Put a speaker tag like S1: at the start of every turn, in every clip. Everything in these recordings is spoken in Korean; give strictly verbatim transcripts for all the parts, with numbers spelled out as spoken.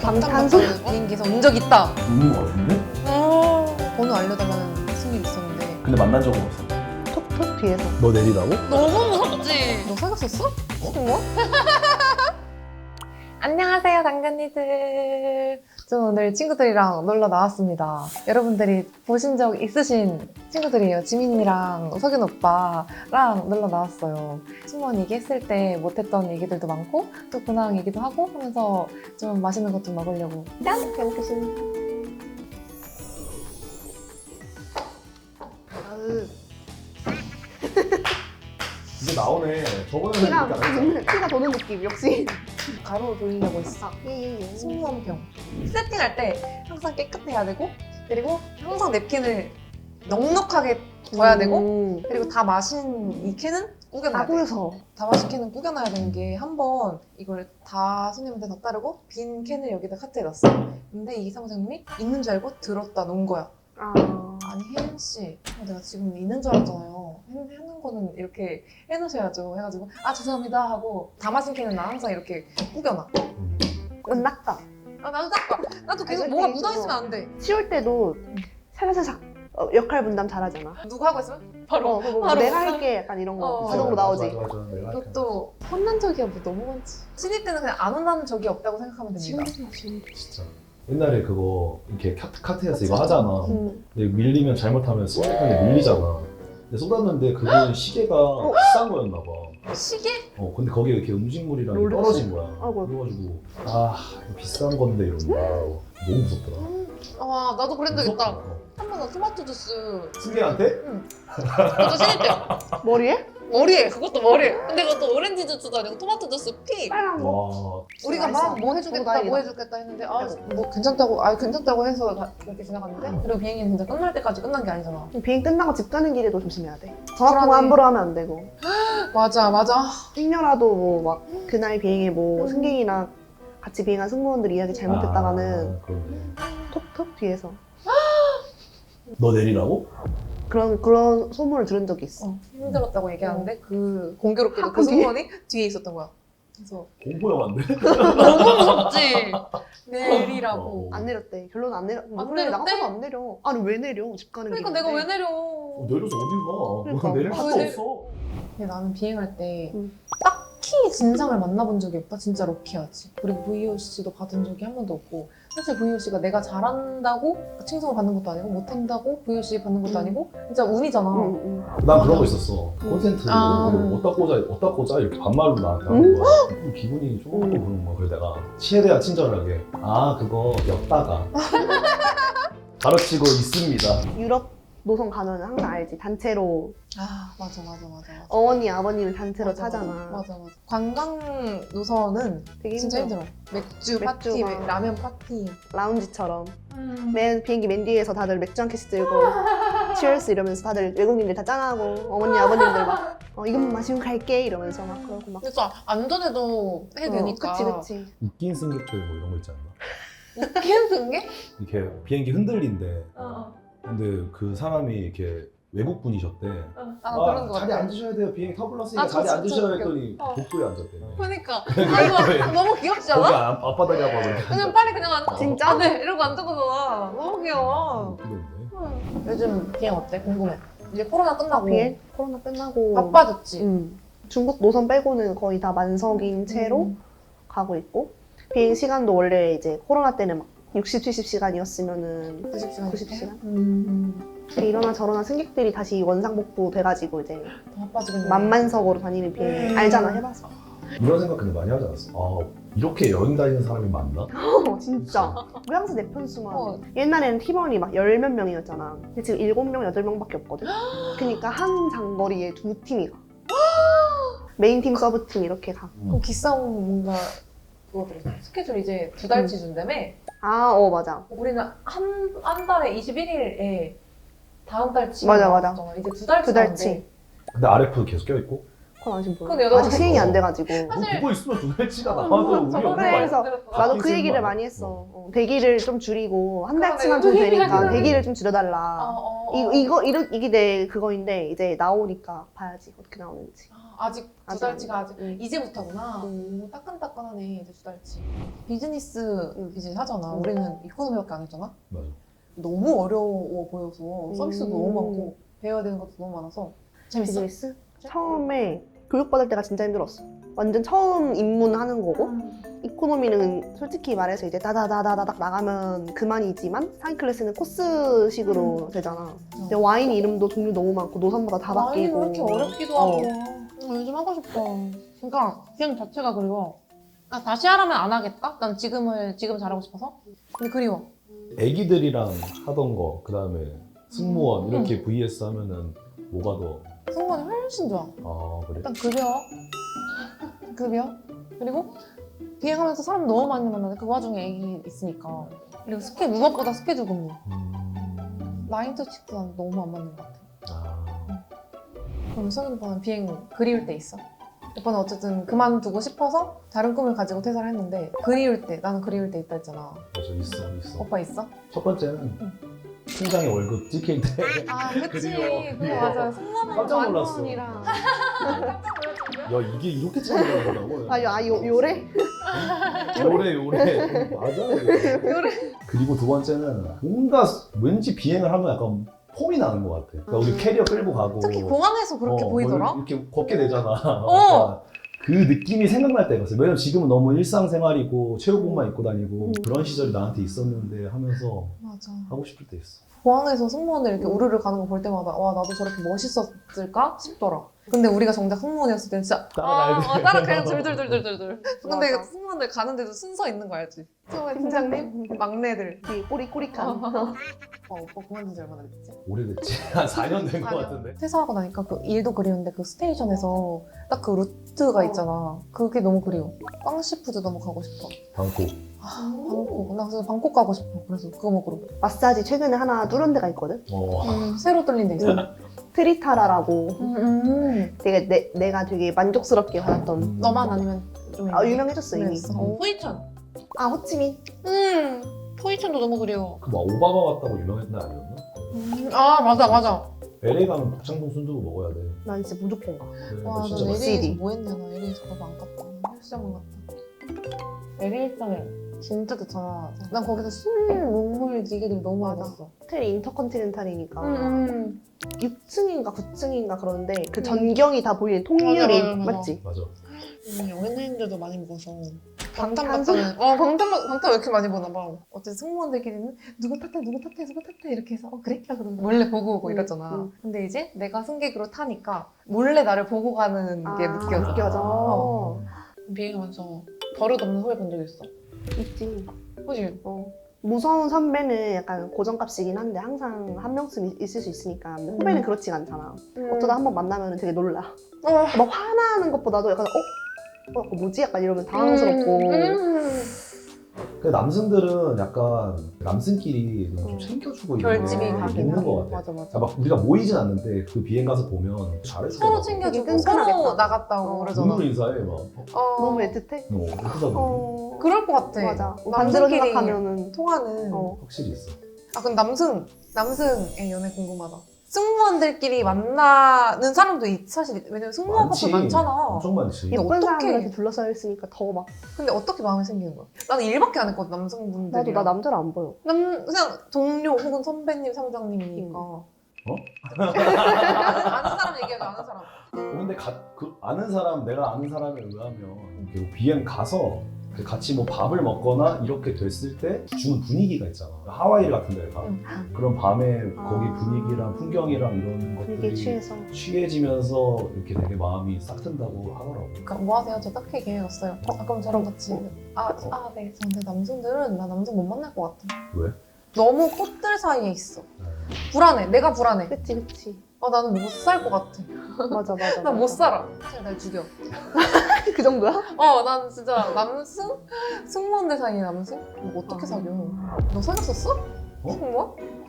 S1: 방탄소
S2: 비행기에서 온 적 있다.
S3: 있는 거 같은데?
S2: 어... 번호 알려달라는 무슨 일 있었는데.
S3: 근데 만난 적은 없어.
S1: 톡톡 뒤에서.
S3: 너 내리라고?
S2: 너무 무섭지? 너 사귀었었어? 뭐? 안녕하세요, 당근이들. 저 오늘 친구들이랑 놀러 나왔습니다. 여러분들이 보신 적 있으신 친구들이에요. 지민이랑 석윤 오빠랑 놀러 나왔어요. 승무원 얘기했을 때 못했던 얘기들도 많고 또 근황 얘기도 하고 하면서 좀 맛있는 것 좀 먹으려고. 짠! 잘 먹겠습니다.
S1: 아으.
S3: 이제 나오네. 저번에는
S1: 피가,
S3: 이렇게 안 했잖아.
S1: 피가 도는 느낌, 역시.
S2: 가로 돌리려고 했어.
S1: 예예예.
S2: 승무원병. 세팅할 때 항상 깨끗해야 되고 그리고 항상 냅킨을 넉넉하게 둬야 되고 그리고 다 마신 이 캔은 구겨놔야 돼.
S1: 아구여서.
S2: 다 마신 캔은 구겨놔야 되는 게 한 번 이걸 다 손님한테 다 따르고 빈 캔을 여기다 카트에 놨어. 근데 이 사무장님이 있는 줄 알고 들었다 놓은 거야.
S1: 아.
S2: 아니 혜연 씨, 어, 내가 지금 있는 줄 알았잖아요. 해, 해놓은 거는 이렇게 해놓으셔야죠. 해가지고 아 죄송합니다 하고 다 마신 캔은 나 항상 이렇게 구겨놔.
S1: 은낙다.
S2: 아 나도 닦아. 나도 계속
S1: 아니,
S2: 뭐가
S1: 그때
S2: 묻어있으면
S1: 있어.
S2: 안 돼.
S1: 치울 때도 살살살살 어, 역할 분담 잘하잖아.
S2: 누구 하고 있으면 바로
S1: 어, 그거 뭐
S2: 바로
S1: 내가 할게 약간 이런 거
S2: 어.
S1: 자동으로 나오지.
S3: 맞아, 맞아, 맞아. 내가 할게.
S2: 그것도 혼난 적이 뭐 너무 많지. 신입 때는 그냥 안 혼나는 적이 없다고 생각하면 됩니다.
S3: 진짜. 옛날에 그거 이렇게 카트, 카트에서 이거 하잖아.
S1: 음.
S3: 근데 밀리면 잘못하면 쏟는데 밀리잖아. 근데 쏟았는데 그게 시계가 비싼 거였나 봐.
S2: 시계?
S3: 어, 근데 거기에 이렇게 음식물이랑
S1: 롤렉스?
S3: 떨어진 거야.
S1: 아이고.
S3: 그래가지고 아 이거 비싼 건데 이러는 거야. 너무 무섭더라.
S2: 아 나도 그런 적 있다.
S3: 무섭다. 어.
S2: 한 번 나 토마토 주스.
S3: 승객한테?
S2: 그것도 신입 때.
S1: 머리에?
S2: 머리에 그것도 머리에. 근데 그것도 오렌지 주스도 아니고 토마토 주스 피.
S1: 빨간 거.
S3: 와
S2: 우리가
S1: 맛있어.
S2: 막 뭐 해주겠다
S1: 다행이다.
S2: 뭐 해주겠다 했는데 아 뭐 괜찮다고 아 괜찮다고 해서 가- 그렇게 지나갔는데 그리고 비행기는 진짜 끝날 때까지 끝난 게 아니잖아.
S1: 비행 끝나고 집 가는 길에도 조심해야 돼. 전화 통화
S2: 불안해.
S1: 함부로 하면 안 되고.
S2: 맞아 맞아.
S1: 행여라도 뭐 막 그날 비행에 뭐
S2: 음.
S1: 승객이나 같이 비행한 승무원들 이야기 잘못했다가는
S3: 아, 그러네.
S1: 톡톡 뒤에서
S3: 너 내리라고?
S1: 그런 그런 소문을 들은 적이 있어.
S2: 어, 힘들었다고 얘기하는데 그 공교롭게도 그
S1: 학교 뒤에?
S2: 승무원이 뒤에 있었던 거야. 그래서
S3: 공포 영화인데?
S2: 너무 무섭지. 내리라고.
S3: 어.
S1: 안 내렸대. 결론은 안 내려.
S2: 안
S1: 그래, 나
S2: 내렸대?
S1: 같아도 안 내려. 아니 왜 내려? 집 가는
S2: 그러니까
S1: 길인데.
S2: 내가 왜 내려?
S3: 어, 내려서 어딜 가?
S1: 그러니까.
S3: 내릴
S2: 아,
S3: 수도
S2: 왜
S3: 없어.
S2: 근데 나는 비행할 때
S1: 음.
S2: 딱히 진상을 만나본 적이 없다. 진짜 럭키하지. 그리고 브이오씨도 받은 적이 한 번도 없고 사실 브이오씨가 내가 잘한다고 칭송을 받는 것도 아니고 못한다고 브이오씨 받는 것도
S1: 음.
S2: 아니고 진짜 운이잖아.
S1: 응, 응.
S3: 난 그런 거 있었어. 콘센트
S2: 아.
S3: 뭐 어디다 꽂아, 어디다 꽂아 이렇게 반말로 나한테
S1: 음?
S3: 하는 거야. 좀 기분이 조금
S1: 음.
S3: 그런 거야. 그래서 내가 최대한 친절하게 아 그거 였다가 가르치고 있습니다.
S1: 유럽 노선 가면은 항상 알지. 단체로
S2: 아 맞아 맞아 맞아 맞아.
S1: 어머니 아버님을 단체로
S2: 맞아,
S1: 타잖아.
S2: 맞아 맞아. 관광 노선은
S1: 되게
S2: 진짜
S1: 힘들어.
S2: 힘들어. 맥주
S1: 맥주가.
S2: 파티, 맥- 라면 파티.
S1: 라운지처럼
S2: 음.
S1: 맨 비행기 맨 뒤에서 다들 맥주 한 캔씩 들고 치얼스 이러면서 다들 외국인들 다 짠하고 어머니 아버님들 막 어, 이것만 마시고 갈게 이러면서 막 그러고 막
S2: 그래서 안전에도 해야 되니까.
S1: 어, 그치 그치.
S3: 웃긴 승객들 뭐 이런 거 있지 않나?
S2: 웃긴 승객?
S3: 이렇게 비행기 흔들린데
S2: 어,
S3: 근데 그 사람이 이렇게 외국 분이셨대.
S2: 어. 아, 그런 거
S3: 자리
S2: 같아.
S3: 앉으셔야 돼요. 비행기 타블렀으니까
S2: 아,
S3: 자리
S2: 진짜
S3: 앉으셔야
S2: 웃겨.
S3: 했더니
S2: 어.
S3: 복도에 앉았대요.
S2: 그러니까. 아, 이거 너무 귀엽지
S3: 거기
S2: 않아?
S3: 앞- 앞바닥에 하고 이렇게
S2: 그냥 빨리 그냥 앉아.
S1: 진짜?
S2: 아, 네, 이러고 앉아보잖아. 너무 귀여워.
S3: 웃기던데.
S2: 요즘 비행 어때? 궁금해. 이제 코로나 끝나고
S1: 비행 코로나 끝나고
S2: 바빠졌지?
S1: 음. 중국 노선 빼고는 거의 다 만석인 채로
S2: 음.
S1: 가고 있고 비행 시간도 원래 이제 코로나 때는 막 육십, 칠십 시간이었으면은
S2: 구십 시간.
S1: 구십 시간?
S2: 음.
S1: 이러나 저러나 승객들이 다시 원상복구 돼가지고 이제
S2: 더 바빠지겠네.
S1: 만만석으로 다니는 비행
S2: 음.
S1: 알잖아 해봐서.
S3: 이런 생각 근데 많이 하지 않았어? 아 이렇게 여행 다니는 사람이 많나?
S1: 어 진짜. 왜 항상 내 편수만.
S2: 어.
S1: 옛날에는 팀원이 막 열 몇 명이었잖아. 근데 지금 일곱 명, 여덟 명밖에 없거든. 그러니까 한 장거리에 두 팀이 가. 메인 팀, 서브 팀 이렇게 가.
S2: 그럼 기싸움 뭔가 그거 들었어. 스케줄 이제 두 달치 준다며?
S1: 아, 어 맞아.
S2: 우리는 한, 한 달에 이십일 일에 다음 달치
S1: 맞아, 맞아.
S2: 나왔잖아. 이제 두 달치
S1: 두 달치.
S3: 근데 아르에프 계속 껴있고?
S1: 그건 아직 몰라.
S2: 근데 여덟
S1: 아직 시행이 안 돼가지고.
S3: 뭐
S2: 사실-
S3: 그거 있으면 두 달치가 나와도 우리
S2: 저번에
S3: 없는 거
S1: 그래,
S3: 아니야?
S1: 그래서
S2: 들었어.
S1: 나도 그
S3: 바뀌는
S1: 얘기를
S3: 거
S1: 많이
S3: 아니야?
S1: 했어. 어, 대기를 좀 줄이고 한
S2: 그러네,
S1: 달치만 좀
S2: 그 얘기를
S1: 되니까
S2: 하긴
S1: 대기를
S3: 하네.
S1: 좀 줄여달라.
S2: 어, 어, 어.
S1: 이거 이거 이러, 이게 내 그거인데 이제 나오니까 봐야지 어떻게 나오는지.
S2: 아, 아직 두
S1: 아직
S2: 달치가 아직
S1: 응.
S2: 이제부터구나.
S1: 음.
S2: 오, 따끈따끈하네 이제 두 달치. 비즈니스
S1: 응.
S2: 이제 하잖아.
S1: 응.
S2: 우리는 이코노미밖에 안 했잖아.
S3: 맞아.
S2: 너무 어려워 보여서 서비스도
S1: 음.
S2: 너무 많고 배워야 되는 것도 너무 많아서 재밌어?
S1: 비즈니스? 처음에 교육받을 때가 진짜 힘들었어. 완전 처음 입문하는 거고 이코노미는 솔직히 말해서 이제 다다다다닥 나가면 그만이지만 상위 클래스는 코스식으로 되잖아. 근데 와인 이름도 종류 너무 많고 노선마다 다
S2: 와인이
S1: 바뀌고
S2: 왜 이렇게 어렵기도
S1: 어.
S2: 하고 어, 요즘 하고 싶어. 그러니까 비행 자체가 그리워. 아, 다시 하라면 안 하겠다? 난 지금을 지금 잘하고 싶어서. 근데 그리워.
S3: 애기들이랑 하던 거, 그 다음에 승무원
S2: 음.
S3: 이렇게 브이에스 하면은 뭐가 더,
S2: 승무원이 훨씬 좋아.
S3: 아, 그래?
S2: 일단 급여, 급여, 그리고 비행하면서 사람 너무 많이 만나는데 그 와중에 애기 있으니까. 그리고 스케 무엇보다 스케줄 근무.
S3: 음,
S2: 나인 투 식스 난 너무 안 맞는 것 같아.
S3: 아,
S2: 그럼 성인 오빠는 비행 그리울 때 있어? 오빠는 어쨌든 그만두고 싶어서 다른 꿈을 가지고 퇴사를 했는데 그리울 때, 나는 그리울 때 있다 했잖아.
S3: 맞아, 있어, 있어.
S2: 오빠 있어?
S3: 첫 번째는
S2: 응.
S3: 통장에 월급 찍힐 때.
S2: 아, 그치.
S3: 그리워,
S2: 그래,
S3: 그리워.
S2: 맞아. 승무원은
S3: 깜짝 놀랐어.
S1: 만원이랑
S3: 야, 이게 이렇게 차이가 나더라고.
S1: 아, 요, 아 요, 요래?
S3: 요래, 요래. 맞아. 요래. 그리고 두 번째는 뭔가 왠지 비행을 하면 약간 폼이 나는 것 같아. 그러니까 우리
S1: 음.
S3: 캐리어 끌고 가고.
S2: 특히 공항에서 그렇게
S3: 어,
S2: 보이더라?
S3: 뭘 이렇게 걷게 되잖아.
S2: 어.
S3: 그 느낌이 생각날 때가 있어요. 왜냐면 지금은 너무 일상생활이고 체육복만 입고 다니고
S1: 음.
S3: 그런 시절이 나한테 있었는데 하면서
S2: 맞아.
S3: 하고 싶을 때 있어.
S2: 공항에서 승무원들 이렇게 우르르 가는 거 볼 때마다 와 나도 저렇게 멋있었을까 싶더라. 근데 우리가 정작 승무원이었을 때는 진짜
S3: 따라가야 돼.
S2: 아, 어, 따라 그냥 둘둘둘둘둘둘. 근데
S1: 맞아.
S2: 승무원들 가는데도 순서 있는 거 알지? 처음에
S1: 팀장님?
S2: 팀장님, 막내들.
S1: 뒤에 꼬리꼬리칸.
S2: 어, 오빠 그만둔 지 얼마나 됐지?
S3: 오래됐지. 한 사 년 된 것
S2: 사 년.
S3: 같은데.
S2: 퇴사하고 나니까 그 일도 그리운데 그 스테이션에서 딱 그 루트가 있잖아. 그게 너무 그리워. 빵시푸드 너무 가고 싶어.
S3: 방콕.
S2: 아, 방콕. 나 그래서 방콕 가고 싶어. 그래서 그거 먹으러.
S1: 마사지 최근에 하나 뚫은 데가 있거든?
S3: 어.
S2: 음, 새로 뚫린 데 있어.
S1: 트리타라라고
S2: 음, 음.
S1: 되게 내, 내가 되게 만족스럽게 받았던
S2: 너만 아니면 좀
S1: 아, 유명해졌어 이미.
S2: 유명했어. 어, 포이천.
S1: 아 호치민?
S2: 음, 포이천도 너무 그리워.
S3: 그막 오바마 같다고 유명했나 아니었나?
S2: 음, 아 맞아 맞아.
S3: 엘에이 가면 북창동 순두부 먹어야 돼.
S1: 난 이제 무조건 가.
S3: 그래,
S2: 와,
S3: 너
S2: 나
S3: 진짜 맛있어.
S2: 엘에이에서
S1: 맛있어.
S2: 뭐 했냐, 나 엘에이에서 그거 안 갔다. 헬스장만 갔다. 엘에이 일정에 진짜 좋잖아. 난 거기서 술, 먹물, 기계들이 너무 많이
S1: 맞아.
S2: 봤어.
S1: 호텔이 인터컨티넨탈이니까
S2: 음,
S1: 육 층인가 구 층인가 그런데 그
S2: 음.
S1: 전경이 다 보이는 통유리
S2: 맞아, 맞아, 맞아.
S1: 맞지?
S3: 맞아.
S2: 음, 연예인들도 많이 먹어서.
S1: 방탄소-
S2: 방탄 어, 방탄, 방탄 왜 이렇게 많이 보나 봐. 어쨌든 승무원들끼리는 누구 탓해, 누구 탓해, 누구 탓해 이렇게 해서 어, 그래? 그러고 몰래 보고 오고
S1: 음,
S2: 이랬잖아.
S1: 음.
S2: 근데 이제 내가 승객으로 타니까 몰래 나를 보고 가는 게
S1: 아,
S2: 느껴져.
S1: 느껴져.
S2: 어. 비행하면서 버릇없는 후회 본 적 있어.
S1: 있지.
S2: 그지?
S1: 어. 무서운 선배는 약간 고정값이긴 한데 항상 한 명쯤 있- 있을 수 있으니까 근데 후배는
S2: 음.
S1: 그렇지가 않잖아. 어쩌다 한 번 만나면 되게 놀라.
S2: 어.
S1: 막 화나는 것보다도 약간 어? 어 약간 뭐지? 약간 이러면 당황스럽고
S2: 음.
S3: 그 남성들은 약간 남성끼리 좀
S1: 음.
S3: 챙겨주고 이런
S2: 결집이
S3: 게
S1: 가긴
S3: 있는
S1: 하고.
S3: 것 같아.
S2: 맞아 맞아.
S3: 아, 막 우리가 모이진 않는데 그 비행 가서 보면 잘해줘.
S2: 서로 챙겨주고
S1: 되게
S2: 서로
S1: 끈끈하겠다.
S2: 나갔다고
S1: 어.
S2: 그러잖아.
S3: 눈으로 인사해 막.
S2: 어.
S1: 너무 애틋해?
S3: 어, 예쁘다. 어.
S1: 어
S2: 그럴 것 같아.
S1: 맞아. 반대로
S2: 남성끼리
S1: 생각하면은
S2: 통하는.
S1: 어.
S3: 확실히 있어.
S2: 아 근데 남승 남승의 연애 궁금하다. 승무원들끼리 만나는 사람도 있, 사실 왜냐면 승무원
S3: 많지.
S2: 커플 많잖아.
S3: 엄청 많지.
S2: 근데
S1: 예쁜
S2: 어떡해.
S1: 사람들한테 둘러싸여 있으니까 더 막
S2: 근데 어떻게 마음이 생기는 거야? 나는 일밖에 안 했거든 남성분들이.
S1: 나도 나 남자를 안 보여.
S2: 남 그냥 동료 혹은 선배님 상장님이니까.
S3: 어?
S2: 아는, 아는 사람 얘기하자 아는 사람.
S3: 어, 근데 가, 그 아는 사람, 내가 아는 사람에 의하면 이렇게 비행 가서 같이 뭐 밥을 먹거나 이렇게 됐을 때 주는 분위기가 있잖아. 하와이 같은 데 가.
S2: 응.
S3: 그런 밤에
S1: 아.
S3: 거기 분위기랑 풍경이랑 이런
S1: 분위기에
S3: 것들이
S1: 취해서
S3: 취해지면서 이렇게 되게 마음이 싹 든다고 하더라고.
S2: 그러니까 뭐 하세요? 저 딱히 계획했어요. 어, 아, 그럼 저랑 같이. 아, 아, 네. 근데 남성들은 나 남성 못 만날 것 같아.
S3: 왜?
S2: 너무 꽃들 사이에 있어.
S3: 네.
S2: 불안해. 내가 불안해.
S1: 그치 그치
S2: 아, 나는 못 살 것 같아.
S1: 맞아 맞아
S2: 나 못
S1: 맞아.
S2: 살아. 사실 날 죽여.
S1: 그 정도야?
S2: 어, 난 진짜 남승? 승무원들 사이에 남승? 뭐 어떻게
S1: 아.
S2: 사겨? 너 사귀었었어?
S3: 어?
S2: 승무원?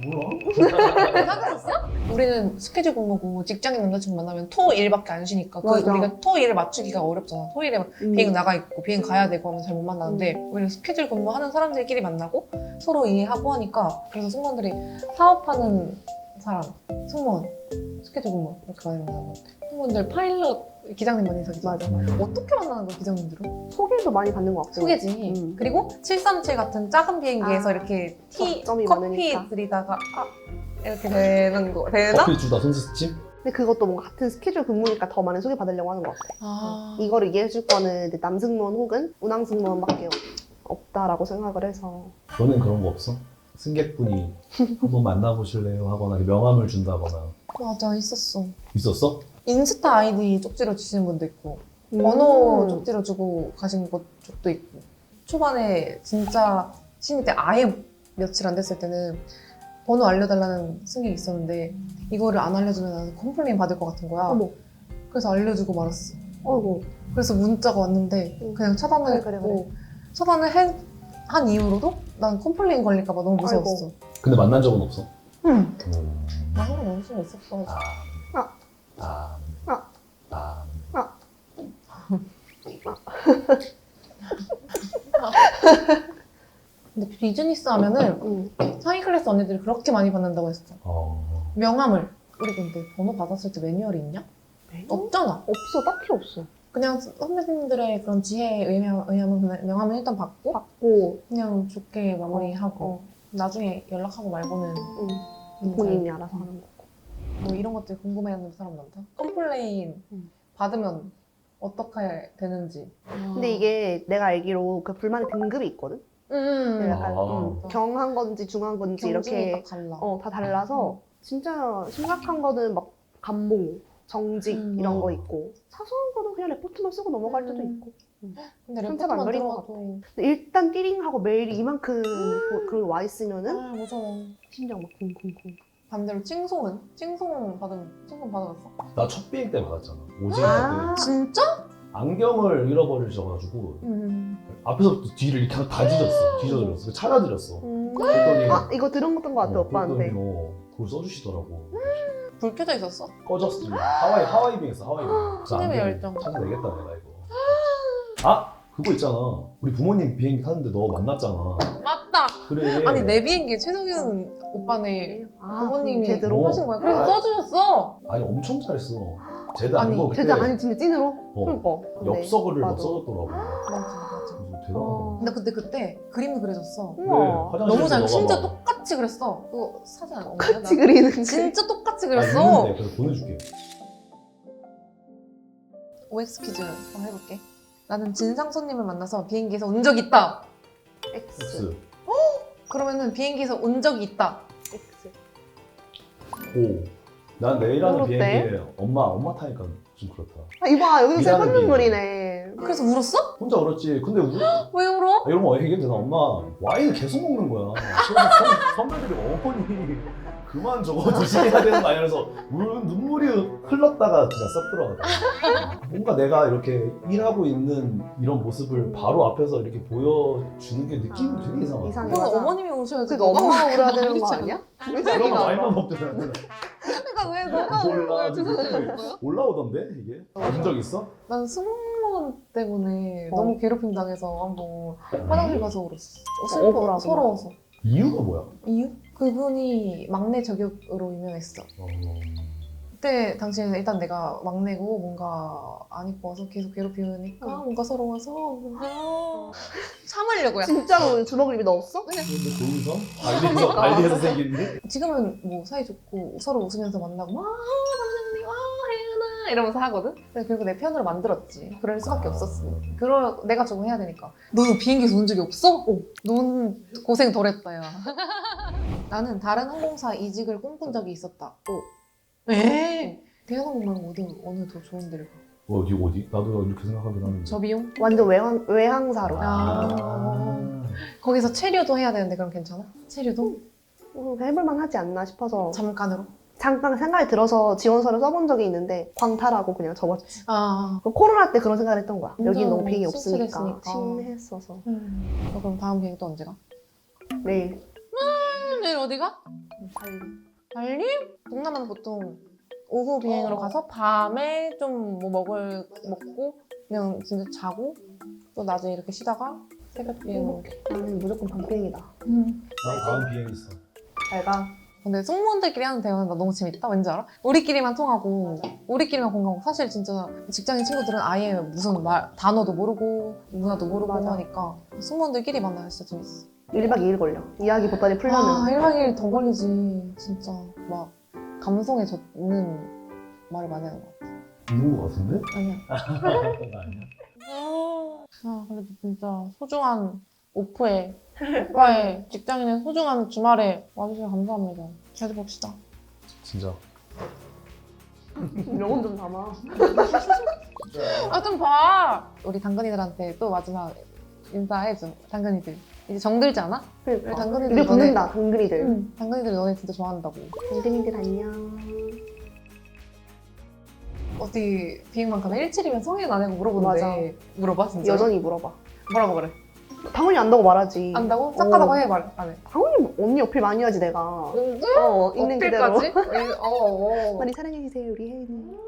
S3: 몰라?
S2: 사귀었었어? 우리는 스케줄 근무고 직장인 남자친구 만나면 토 일밖에 안 쉬니까 그
S1: 맞아.
S2: 우리가 토 일 맞추기가 어렵잖아. 토 일에 막
S1: 음.
S2: 비행 나가 있고 비행 가야 되고 하면 잘 못 만나는데 우리는 스케줄 근무하는 사람들끼리 만나고 서로 이해하고 하니까 그래서 승무원들이 사업하는 사람, 승무원, 스케줄 근무 이렇게 많이 만나는 것 같아. 승무원들 파일럿 기장님 만나서기
S1: 맞아.
S2: 어떻게 만나는 거야 기장님들은?
S1: 소개도 많이 받는 것 같고.
S2: 소개지.
S1: 음.
S2: 그리고 칠삼칠 같은 작은 비행기에서
S1: 아,
S2: 이렇게 티
S1: 접점이
S2: 커피
S1: 많으니까.
S2: 드리다가 아 이렇게 되는 거 되나?
S3: 커피 주다 손짓집?
S1: 근데 그것도 뭔가 같은 스케줄 근무니까 더 많은 소개받으려고 하는 것 같아.
S2: 아
S1: 이거를 이해해줄 거는 이제 남승무원 혹은 운항승무원밖에 없다라고 생각을 해서.
S3: 너는 그런 거 없어? 승객분이 한번 만나보실래요? 하거나 명함을 준다거나
S2: 맞아 있었어.
S3: 있었어?
S2: 인스타 아이디 쪽지로 주시는 분도 있고
S1: 음.
S2: 번호 쪽지로 주고 가신 것 쪽도 있고 초반에 진짜 신입 때 아예 며칠 안 됐을 때는 번호 알려달라는 승객이 있었는데 이거를 안 알려주면 나는 컴플레인 받을 것 같은 거야.
S1: 어머.
S2: 그래서 알려주고 말았어.
S1: 어이구.
S2: 그래서 문자가 왔는데
S1: 응.
S2: 그냥 차단을
S1: 그래,
S2: 했고
S1: 그래, 그래.
S2: 차단을 해, 한 이후로도 난 컴플레인 걸릴까 봐 너무 무서웠어.
S3: 근데 만난 적은 없어?
S2: 응.
S3: 음.
S2: 나는 연습이 있었어.
S3: 아.
S1: 아.
S3: 아.
S1: 아.
S3: 아.
S2: 근데 비즈니스 하면은
S1: 응.
S2: 상위 클래스 언니들이 그렇게 많이 받는다고 했어.
S3: 어.
S2: 명함을. 우리 근데 번호 받았을 때 매뉴얼이 있냐? 없잖아.
S1: 없어. 딱히 없어.
S2: 그냥 선배님들의 그런 지혜에 의하면, 의하면 그냥 명함을 일단 받고
S1: 받고
S2: 그냥 좋게 마무리하고
S1: 어.
S2: 나중에 연락하고 말고는
S1: 응.
S2: 음,
S1: 본인이 알아서 하는 거고.
S2: 뭐 이런 것들 궁금해하는 사람 많다. 컴플레인
S1: 음.
S2: 받으면 어떻게 되는지.
S1: 근데 이게 내가 알기로 그 불만의 등급이 있거든?
S2: 음,
S1: 약간
S3: 아.
S1: 음, 경한 건지 중한 건지
S2: 경중이
S1: 이렇게
S2: 딱 달라.
S1: 어, 다 달라서 진짜 심각한 거는 막 감봉, 정직
S2: 음.
S1: 이런 거 있고 사소한 거는 그냥 레포트만 쓰고 넘어갈 때도
S2: 음.
S1: 있고.
S2: 근데
S1: 한참 안
S2: 레포트만
S1: 걸린 것
S2: 들어가도
S1: 근데 일단 띠링하고 메일이 이만큼 뭐 그런 거 와 있으면은
S2: 아 무서워.
S1: 심장 막 쿵쿵쿵.
S2: 반대로 찡송은? 찡송 받은 찡송 받아봤어?
S3: 나 첫 비행 때 받았잖아. 오징어
S1: 아.
S3: 때.
S2: 진짜?
S3: 안경을 잃어버리셔가지고
S2: 음.
S3: 앞에서부터 뒤를 이렇게 다 뒤졌어. 뒤져드렸어. 찾아드렸어.
S1: 음.
S3: 그랬더니
S1: 아 이거 들은 것던 것 같아
S3: 어,
S1: 오빠한테.
S3: 그랬더니 어, 그걸 써주시더라고.
S2: 불 켜져 있었어?
S3: 꺼졌어. 하와이 하와이 비행했어. 하와이 비행. 그래서
S2: 신임의
S3: 안경
S2: 열정.
S3: 찾아내겠다 내가 이거. 아 그거 있잖아. 우리 부모님 비행기 타는데 너 만났잖아.
S2: 맞다!
S3: 그래.
S2: 아니 내 비행기에 최석윤 오빠네
S1: 아,
S2: 부모님이
S1: 제대로
S3: 어.
S2: 하신 거야. 그래서
S3: 아.
S2: 써주셨어!
S3: 아니 엄청 잘했어. 쟤도
S2: 아니,
S3: 아니고 그때
S1: 진짜 아니 진짜 찐으로?
S3: 어,
S1: 그러니까. 근데
S3: 엽서글을 막
S1: 맞아.
S3: 써줬더라고.
S2: 맞아 맞아.
S3: 그래서 대단하다.
S1: 어.
S2: 근데 그때 그때 그림도 그려줬어.
S1: 우와.
S3: 그래,
S2: 너무 잘,
S3: 화장실에서
S2: 진짜
S3: 너가 막-
S2: 똑같이 그랬어. 그거 사진 안 없나?
S1: 같이 그리는 게.
S2: 진짜 똑같이
S3: 아,
S2: 그렸어.
S3: 있는데 그래서 보내줄게.
S2: 오엑스 퀴즈 한번 해볼게. 나는 진상 손님을 만나서 비행기에서 운 적이 있다.
S1: X.
S3: X.
S2: 그러면은 비행기에서 운 적이 있다.
S1: X.
S3: 오. 난 내일하는
S1: 어때?
S3: 비행기에 엄마 엄마 타니까 좀 그렇다.
S1: 아 이봐 여기서
S3: 일하는
S1: 슬픈 눈물이네.
S2: 그래서 울었어?
S3: 혼자 울었지. 근데 울, 아,
S2: 왜 울어?
S3: 이런 거 얘기해도 되나? 엄마 와인을 계속 먹는 거야. 그래서 선, 선배들이 어머니 그만 저거 드셔야 되는 거 아니야? 그래서 울, 눈물이 흘렀다가 진짜 썩 들어가더라고. 뭔가 내가 이렇게 일하고 있는 이런 모습을 바로 앞에서 이렇게 보여주는 게 느낌이
S1: 아,
S3: 되게 이상하다.
S1: 이상해.
S2: 그건
S1: 맞아.
S2: 어머님이 우셔야지.
S1: 그러니까 엄마가 울어야
S2: 울어야
S1: 되는 거 아니야?
S3: 그러면 와인만 먹잖아.
S2: 그러니까 왜 너가
S3: 몰라.
S2: 울어야 되는 거야?
S3: 올라오던데 이게? 본 적 있어?
S2: 난 승무원 때문에
S1: 어.
S2: 너무 괴롭힘 당해서 한번 화장실 가서 울었어.
S1: 어, 억울하구나.
S2: 슬퍼, 서러워서.
S3: 이유가 뭐야?
S2: 이유? 그분이 막내 저격으로 유명했어.
S3: 어...
S2: 그때 당시에는 일단 내가 막내고 뭔가 안 이뻐서 계속 괴롭히니까
S1: 어.
S2: 뭔가 서러워서 뭔가 참으려고요.
S1: 진짜로 주먹을 입에 넣었어?
S3: 근데 거기서 발리에서 발리에서 생긴 일?
S2: 지금은 뭐 사이 좋고 서로 웃으면서 만나고 와 선생님 와 혜연아 이러면서 하거든. 근데 결국 내 편으로 만들었지. 그럴 수밖에
S3: 아.
S2: 없었어. 그러 내가 조금 해야 되니까. 너는 비행기에서 온 적이 없어? 어. 넌 고생 덜했다 야. 나는 다른 항공사 이직을 꿈꾼 적이 있었다. 어. 에? 대한항공 말고 어디 어느 더 좋은 데를 가?
S3: 어디 어디? 나도 이렇게 생각하긴 하는데.
S2: 저 비용?
S1: 완전 외항, 외항사로.
S2: 아. 거기서 체류도 해야 되는데 그럼 괜찮아? 체류도?
S1: 음, 해볼만 하지 않나 싶어서
S2: 잠깐으로?
S1: 잠깐 생각이 들어서 지원서를 써본 적이 있는데 광탈하고 그냥 접었지.
S2: 아.
S1: 그 코로나 때 그런 생각을 했던 거야.
S2: 완전
S1: 여기는 너무 비행이 없으니까
S2: 씁쓸했으니까.
S1: 심했어서.
S2: 음. 너 그럼 다음 비행 또 언제 가?
S1: 내일
S2: 음, 내일 어디 가?
S1: 빨리.
S2: 발리? 동남아는 보통 오후 비행으로
S1: 어.
S2: 가서 밤에 좀 뭐 먹을 먹고 그냥 진짜 자고 또 낮에 이렇게 쉬다가 새벽 비행으로.
S1: 나는 무조건 밤비행이다.
S2: 음.
S3: 나 다음 비행 있어.
S1: 잘 가.
S2: 근데 승무원들끼리 하는 대화는 나 너무 재밌다. 왠지 알아? 우리끼리만 통하고 우리끼리만 공감하고 사실 진짜 직장인 친구들은 아예 무슨 말 단어도 모르고 문화도 모르고
S1: 맞아.
S2: 하니까 승무원들끼리 만나면 진짜 재밌어.
S1: 일 박 이 일 걸려. 이야기 보따리 풀려면.
S2: 아, 일 박 이 일 더 걸리지. 진짜 막 감성에 젖는 말을 많이 하는 것 같아.
S3: 이런 거 같은데?
S2: 아니야.
S3: 아니야.
S2: 아, 그래도 진짜 소중한 오프에 오빠의 직장인의 소중한 주말에 와주셔서 감사합니다. 자주 봅시다.
S3: 진짜.
S1: 명언 좀 담아.
S2: 아, 좀 봐! 우리 당근이들한테 또 마지막 인사해줘. 당근이들. 이제 정들지 않아? 우리
S1: 그러니까.
S2: 당근이들
S1: 입에 붙는다, 당근이들.
S2: 응. 당근이들 너네 진짜 좋아한다고.
S1: 당근이들 안녕.
S2: 어디 비행만 가면 일칠이면 성인 안 하고 물어보는데
S1: 맞아.
S2: 물어봐 진짜?
S1: 여전히 물어봐.
S2: 뭐라고 그래?
S1: 당연히 안다고 말하지.
S2: 안다고? 착하다고
S1: 어.
S2: 해 말 안 해?
S1: 당연히 언니 어필 많이 하지 내가.
S2: 진짜?
S1: 어, 있는 그대로.
S2: 어필까지? 어, 어.
S1: 많이 사랑해주세요 우리 혜은이.